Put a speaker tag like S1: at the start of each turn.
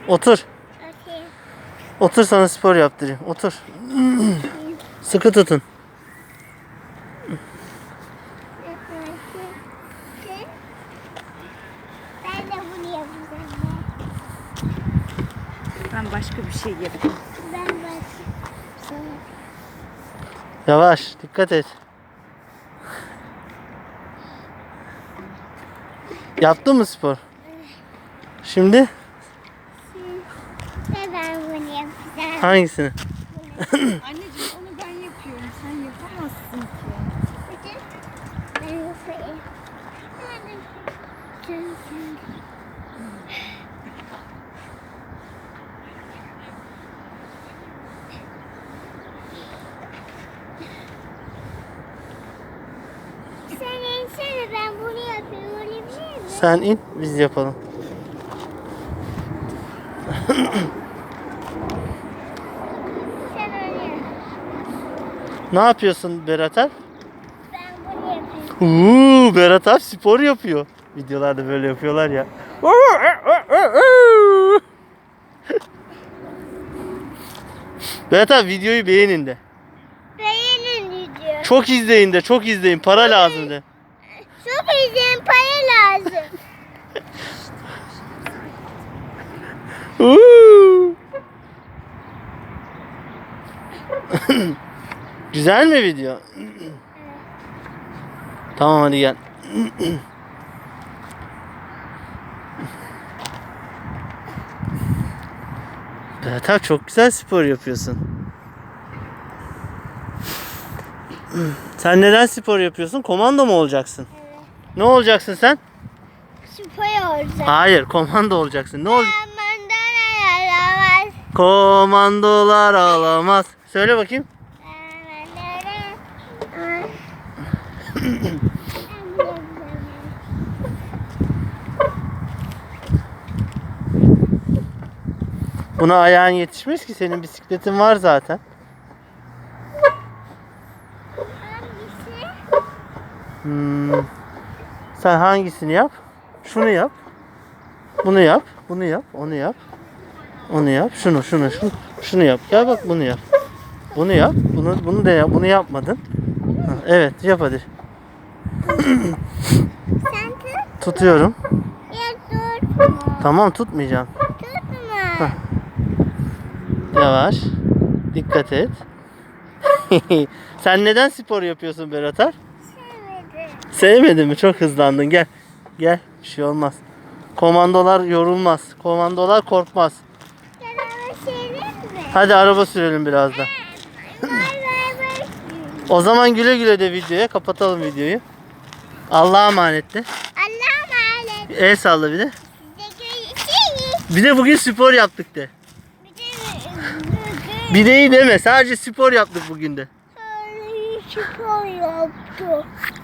S1: Otur.
S2: Okey.
S1: Otur, sana spor yaptırayım. Otur. Sıkı tutun.
S2: Ben de bunu yapacağım.
S3: Ben başka bir şey yapayım.
S2: Ben başka bir şey yapayım.
S1: Yavaş, dikkat et. Yaptın mı spor? Şimdi
S2: Ve ben bunu yapacağım.
S1: hangisini?
S3: Anneciğim onu ben yapıyorum. Sen yapamazsın ki.
S2: Ben yapayım. Sen insene, ben bunu yapıyorum. Öyle bir şey mi?
S1: Sen in, biz yapalım.
S2: Sen öyle yap.
S1: Ne yapıyorsun Berat Alp?
S2: Ben bunu yapıyorum.
S1: Berat Alp spor yapıyor. Videolarda böyle yapıyorlar ya. Berat Alp, videoyu beğenin de.
S2: Beğenin diyor.
S1: Çok izleyin de, çok izleyin. Para lazım de.
S2: Çok izin para lazım.
S1: Güzel mi video? Tamam, hadi gel. Berat abi, çok güzel spor yapıyorsun. Sen neden spor yapıyorsun? Komando mu olacaksın?
S2: Evet.
S1: Ne olacaksın sen?
S2: Süper olacak.
S1: Hayır, komando olacaksın. Ne olacak?
S2: Mandana yaramaz.
S1: Komandolar alamaz. Söyle bakayım. Buna ayağın yetişmez ki, senin bisikletin var zaten.
S2: Hangisi?
S1: Sen hangisini yap? Şunu yap. Bunu yap. Bunu yap. Onu yap. Onu yap. Şunu yap. Gel bak, bunu yap. Bunu yap. Bunu da yap. Bunu yapmadın. Ha, evet, yap hadi.
S2: Sen tut.
S1: Tutuyorum.
S2: Ya tutma.
S1: Tamam, tutmayacağım.
S2: Tutma.
S1: Yavaş. Dikkat et. Sen neden spor yapıyorsun Berat Alp?
S2: Sevmedim.
S1: Sevmedin mi? Çok hızlandın. Gel. Gel. Bir şey olmaz. Komandolar yorulmaz. Komandolar korkmaz.
S2: Yaramaz şeyler mi?
S1: Hadi araba sürelim biraz da.
S2: Vay vay vay.
S1: O zaman güle güle de videoya. Kapatalım videoyu. Allah'a emanet de.
S2: Allah'a emanet.
S1: El salla bir de.
S2: Şey.
S1: Bir de bugün spor yaptık de.
S2: Bir de
S1: Bir de iyi deme. Sadece spor yaptık bugün de.
S2: spor yaptı.